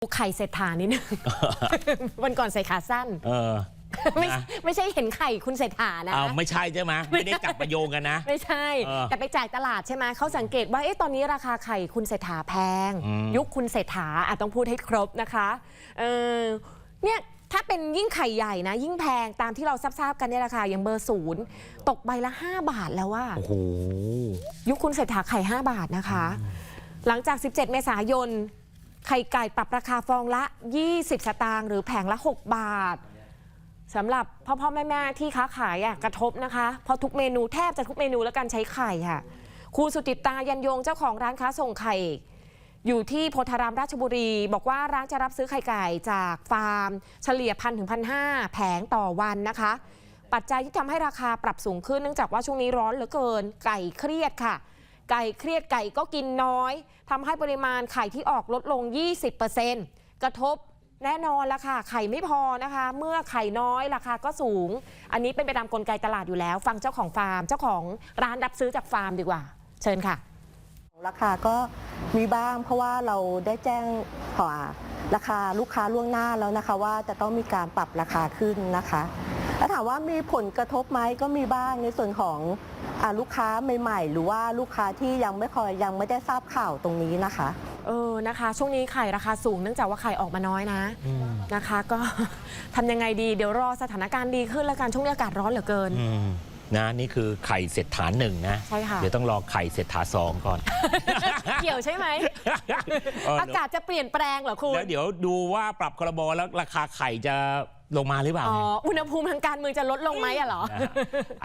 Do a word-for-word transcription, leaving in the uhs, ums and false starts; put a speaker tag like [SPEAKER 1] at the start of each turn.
[SPEAKER 1] ไข่เศรษฐานิดนึง วันก่อนใส่ขาสั้น
[SPEAKER 2] เออ
[SPEAKER 1] ไม่ไม่ใช่เห็นไข่คุณเศรษฐานะ
[SPEAKER 2] อ้าวไม่ใช่ใช่ไหมไม่ได้จับประโยงกันนะ
[SPEAKER 1] ไม่ใช่แต่ไปจ่ายตลาดใช่ไหมเขาสังเกตว่าเอ๊ะตอนนี้ราคาไข่คุณเศรษฐาแพงยุคคุณเศรษฐาอาจต้องพูดให้ครบนะคะเออเนี่ยถ้าเป็นยิ่งไข่ใหญ่นะยิ่งแพงตามที่เราทราบๆกันเนี่ยราคาอย่างเบอร์ศูนย์ตกใบละห้าบาทแล้วว่า
[SPEAKER 2] โอ้โห
[SPEAKER 1] ยุคคุณเศรษฐาไข่ห้าบาทนะคะหลังจากสิบเจ็ดเมษายนไข่ไก่ปรับราคาฟองละยี่สิบสตางค์หรือแผงละหกบาทสำหรับพ่อพ่อแม่แม่ที่ค้าขายอ่ะกระทบนะคะเพราะทุกเมนูแทบจะทุกเมนูแล้วกันใช้ไข่ค่ะครูสุจิตายันยงเจ้าของร้านค้าส่งไข่อยู่ที่โพธารามราชบุรีบอกว่าร้านจะรับซื้อไข่ไก่จากฟาร์มเฉลี่ยพันถึงพันห้าแผงต่อวันนะคะปัจจัยที่ทำให้ราคาปรับสูงขึ้นเนื่องจากว่าช่วงนี้ร้อนเหลือเกินไก่เครียดค่ะไก่เครียดไก่ก็กินน้อยทำให้ปริมาณไข่ที่ออกลดลง ยี่สิบเปอร์เซ็นต์ กระทบแน่นอนละค่ะไข่ไม่พอนะคะเมื่อไข่น้อยราคาก็สูงอันนี้เป็นไปตามกลไกตลาดอยู่แล้วฟังเจ้าของฟาร์มเจ้าของร้านรับซื้อจากฟาร์มดีกว่าเชิญค่ะ
[SPEAKER 3] ราคาก็มีบ้างเพราะว่าเราได้แจ้งขอราคาลูกค้าล่วงหน้าแล้วนะคะว่าจะต้องมีการปรับราคาขึ้นนะคะแล้วถามว่ามีผลกระทบไหมก็มีบ้างในส่วนของลูกค้าใหม่ๆหรือว่าลูกค้าที่ยังไม่คอยยังไม่ได้ทราบข่าวตรงนี้นะคะ
[SPEAKER 1] เออนะคะช่วงนี้ไข่ราคาสูงเนื่องจากว่าไข่ออกมาน้อยนะนะคะก็ทำยังไงดีเดี๋ยวรอสถานการณ์ดีขึ้นแล้วกันช่วงนี้อากาศร้อนเหลือเกิน
[SPEAKER 2] นะนี่คือไข่เศรษฐาหนึ่งนะ
[SPEAKER 1] ใช่ค่ะ
[SPEAKER 2] เดี๋ยวต้องรอไข่เศรษฐาสองก่อน
[SPEAKER 1] เกี่ยวใช่ไหมอากาศจะเปลี่ยนแปลงเหรอคุณ
[SPEAKER 2] แล้วเดี๋ยวดูว่าปรับครม.แล้วราคาไข่จะลงมาหรือเปล่า
[SPEAKER 1] อ๋ออุณหภูมิทางการเมืองจะลดลงไหมอะเหรอ